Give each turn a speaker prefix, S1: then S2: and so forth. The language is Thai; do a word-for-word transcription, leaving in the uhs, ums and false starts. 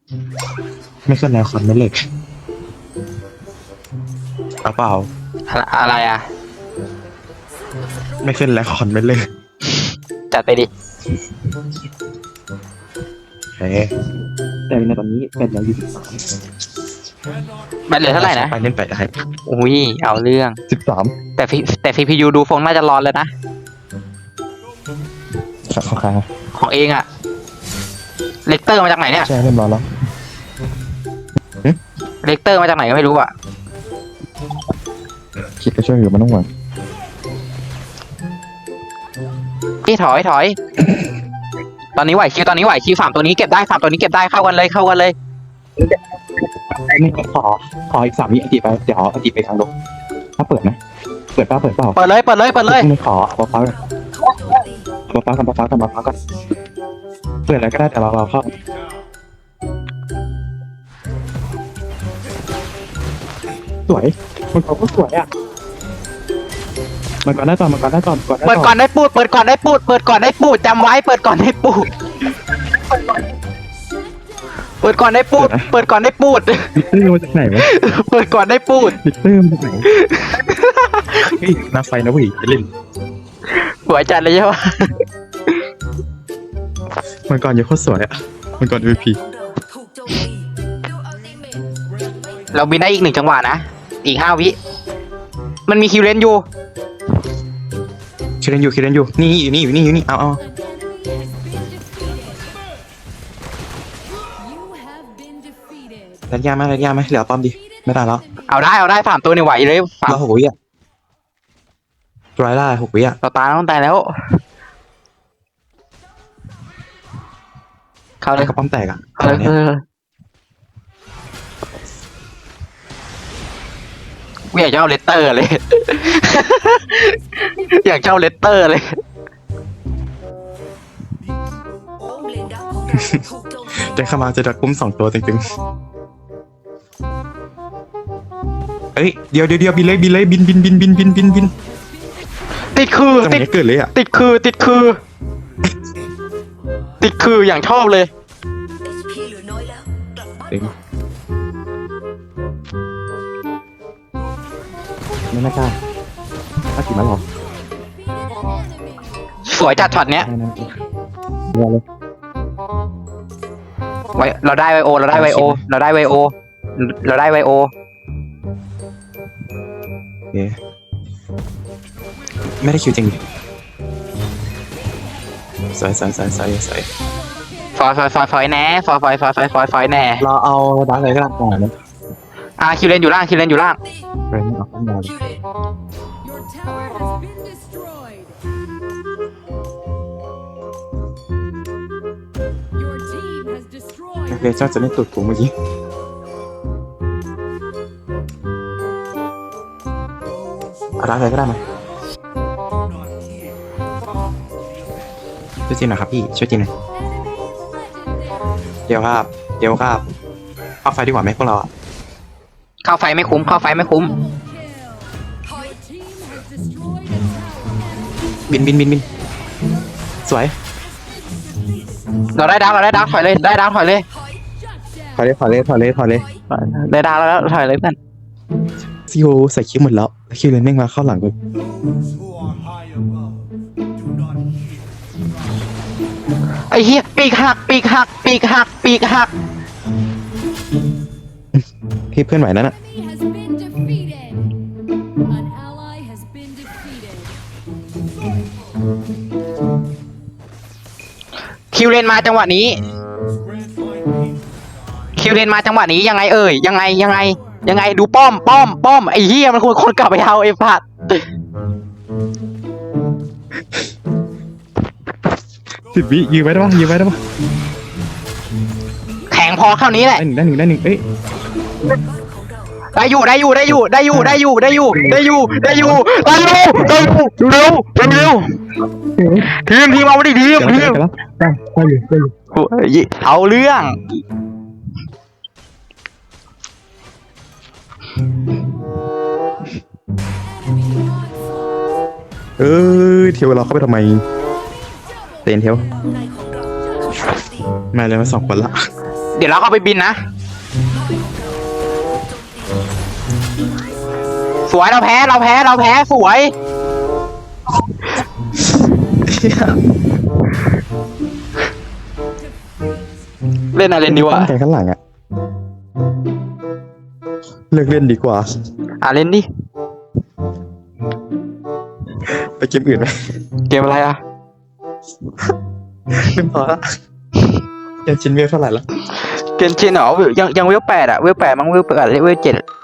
S1: ไม่ขึ้นแล้วคอนไม่เล็กเอาเปล่า
S2: อะไรอะไรอ่ะ
S1: ไม่ขึ้นแล้วคอนไม่เล็ก
S2: จัดไปดิ
S1: เฮ้ยแต่ในตอนนี้เป็นแล้วยี่สิบสาม
S2: แบตเหลือเท่าไหร่นะ
S1: ไปเล่นไปอะไร
S2: อุ้ยเอาเรื่อง
S1: สิบสาม
S2: แต่พีแต่ซีพียูดูฟงน่าจะร้อนเลยนะ
S1: สักครั้ง
S2: ของเองอะเลกเตอร์มาจากไหนเนี่ย
S1: ใช่เล่นร้อนแล้ว
S2: เลกเตอร์มาจากไหนก็ไม่รู้อะ
S1: คิดก็ช่วยอยู่มันต้องหวัง
S2: พี่ถอยถอย ตอนนี้ไหวคิวตอนนี้ไหวคิวสามตัวนี้เก็บได้สามตัวนี้เก็บได้เข้ากันเลยเข้ากันเลย
S1: นี่ขอขออีกสามวิอดีไปเดี๋ยวอดีไปทางลงถ้าเปิดนะเปิดเปล่าเปิดเปล่า
S2: เปิดเลยเปิดเลยเปิดเลย
S1: ไม่ขอเอาฟ้ากันเอาฟ้ากันเอาฟ้ากันเอาฟ้ากันเปิดอะไรก็ได้แต่เราเราเข้าสวยมันเขาก็สวยอ่ะมันก่อนได้ก่อนมันก่อนได้ก่อนก่อนได้
S2: เปิด
S1: ก่
S2: ก่
S1: อ
S2: อน นได้ปูดเปิดก่อนได้ปูดเปิดก่อนได้ปูดจำไว้เปิดก่อนได้ปูดเปิดก่อนได้ปูดเปิดก่อนได้ปูด
S1: ดิเตอร์มาจากไหนวะ
S2: เปิดก่อนได้ปูด
S1: ดิเตอร์มาจากไหนเฮ้ยน่าไฟนะเว้ยไปเล่น
S2: หัวจัดเลยใช่ปะ
S1: มันก่อนยังโคตรสวยอ่ะมันก่อน เอ็ม วี พี
S2: เราบินได้อีกหนึ่งจังหวะนะอีกห้าวิมันมีคิวเลนอยู่
S1: คิดเล่นอยู่คิดเล่นอยู่นี่อยู่นี่อยู่นี่อยู่นี่เอาเอาระยะไหมระยะไหมเหลือป้อมดิไม่ได้แล้ว
S2: เอาได้เอาได้สามตัวนี่ไหวเลยสาม
S1: เราหกวิอ่ะร้อยล่าหกวิอ่ะ
S2: เราตายต้องตายแล้วเข้าเลย
S1: กระป้อมแตกอ่ะ
S2: เข้าเลย
S1: เนี่ย
S2: เอออยากเจ้าเลตเตอร์เลย อยากเจ้าเลตเตอร์เลย
S1: เดินเข้ามาจะดักกุ้มสองตัวตึงๆเฮ้ยเดี๋ยวเดี๋ยวเดี๋ยวบินเลยบินเลยบินบินบินบินบินบินบิน
S2: ติดคือ
S1: จังหวะ
S2: ติด
S1: นี้เกิดเลยอ่ะ
S2: ติดคือติดคือ ติดคืออย่างชอบเลย
S1: เองไม่น่ากล้าถ้ากี่มาหรอ
S2: สวยจัดช็อตเนี้ย
S1: ไม่น่าเดี๋ยวเลย
S2: ไวเราได้ไวโอ เราได้ไวโอ เราได้ไวโอ เราได้ไวโอ
S1: โอเคไม่ได้คิวจริงสวยสวยสวยสวยสวย
S2: ฟอยฟอยฟอยฟอยแน่ฟอยฟอยฟอยฟอยฟอยฟอยแน่
S1: เราเอาดักเลยก็ได้ก่อนนะ
S2: อ่ะคิวเลนอยู่ล่างคิวเลนอยู่ล่าง
S1: ไปไม่เอาข้างในเลย
S3: Your tower has been destroyed. Your team has
S1: โอ
S3: destroyed.
S1: เคเจ้าจะไม่ตุดผมเมื่อกี้เอาดักเลยก็ได้ไหมช่วยจีนหน่อยครับพี่ช่วยจีนหน่อย เดี๋ยวครับ เดี๋ยวครับเอาไฟดีกว่าไหมพวกเราอ่ะ
S2: เข้าไฟไม่คุ้ม เข้าไฟไม่คุ้ม
S3: Your team has destroyed a tower.
S1: บินบินบินบินสวย
S2: เราได้ดาวเราได้ดาวถอยเลย ได้ดาวถอยเลย
S1: ถอยเลยถอยเลยถอยเลยถอยเลย
S2: ได้ดาวแล้วถอยเลยเพื่อน
S1: ซีโอใส่คิวหมดแล้วคิวเลยแม่งมาเข้าหลังกู
S2: ไอ้เหี้ยปีกหัก ปีกหัก ปีกหัก ปีกหัก
S1: พี่เพื่อนไหวนั่นน่ะ
S3: He has been defeated. An ally has been defeated.
S2: คิวเลนมาจังหวะนี้ คิวเลนมาจังหวะนี้ยังไงเอ่ย ยังไงยังไง ยังไงดูป้อม ป้อม ป้อม ไอ้เหี้ยมันควรคนกลับไปเอาไอ้ผัด
S1: สิบวิยืนไว้ได้ปะยืนไว้ได้ปะ
S2: แข็งพอเท่านี้แหละ
S1: ได้หนึ่งได้หนึ่งได้หนึ่งเอ้ย
S2: ได้อยู่ได้อยู่ได้อยู่ได้อยู่ได้อยู่ได้อยู่ได้อยู่ได้อยู่ได้อยู่ได้อยู่เร็วเร็วทีมทีมเอามาดิทีม
S1: เดี๋ยว
S2: ทีม
S1: แล้วได้ได้อยู่ได้อยู่
S2: เอาเรื่อง
S1: เออเทียวเราเข้าไปทำไมเตนเทียวมาเลยมาสองคนละ
S2: เดี๋ยวเราเข้าไปบินนะ สวยเราแพ้เราแพ้เราแพ้สวย เล่นอะไรดีวะ
S4: ตั้งใจข้างหลังอะเลิกเล่นดีกว่า
S2: อ่ะเล่นดิ
S4: ไปเกมอื่นไหม
S2: เกมอะไรอ่ะ
S4: ไม่พอละยังชินเวลเท่าไหร่ละ
S2: เกมชินเหรอยังยังเวลแปดอ่ะเวลแปดมั้งเวลแปดเวลเจ็ด